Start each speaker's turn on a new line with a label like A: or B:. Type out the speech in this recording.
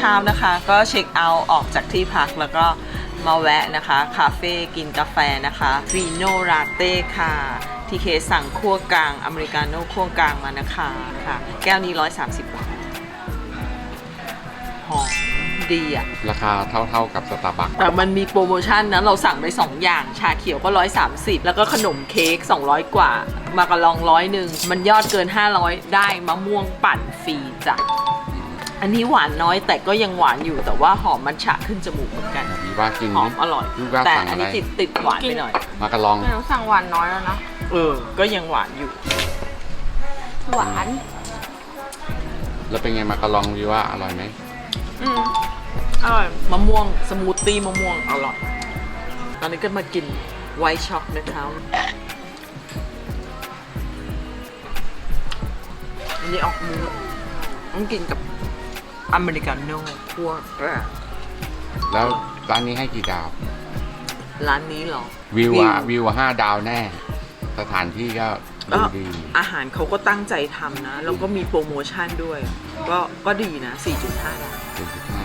A: ช้านะคะ ก็เช็คเอาท์ออกจากที่พักแล้วก็มาแวะนะคะคาเฟ่กินกาแฟนะคะฟีโนราเต้ค่ะทีเคสั่งคั่วกลางอเมริกาโน่คั่วกลางมานะคะค่ะแก้วนี้130 บาทหอมดีอ่ะ
B: ราคาเท่ากับสตาร์บัค
A: แต่มันมีโปรโมชั่นนะเราสั่งไป2อย่างชาเขียวก็130แล้วก็ขนมเค้ก200กว่ามากระลอง100มันยอดเกิน500ได้มะม่วงปั่นฟรีจ้ะอันนี้หวานน้อยแต่ก็ยังหวานอยู่แต่ว่าหอมมัทฉะขึ้นจมูกเหมือนกัน
B: วีว่ากิน
A: หอมอร่อย
B: วีว่า
A: แต่
B: สั่ง
A: อั
B: อะ
A: น
B: ไร
A: นี้ติดหวานไปหน่อย
B: มากระลอง
C: หนูสั่งหวานน้อยแล้วนะ
A: ก็ยังหวานอยู่
C: หวาน
B: แล้วเป็นไงมากระลองวีว่าอร่อยไหม
C: อร่อย
A: มะม่วงสมูทตี้มะม่วงอร่อยตอนนี้ก็มากินไวท์ช็อกนะคะอันนี้ออกมือต้องกินกับอเมริกาโน่คั่วกลาง
B: แล้วร้านนี้ให้กี่ดาว
A: ร้านนี้เหรอ
B: วิวว่า5 ดาวแน่ สถานที่ก็ดูดี
A: อาหารเขาก็ตั้งใจทำนะ แล้วก็มีโปรโมชั่นด้วย ก็ดีนะ 4.5 ดาว
B: 4.5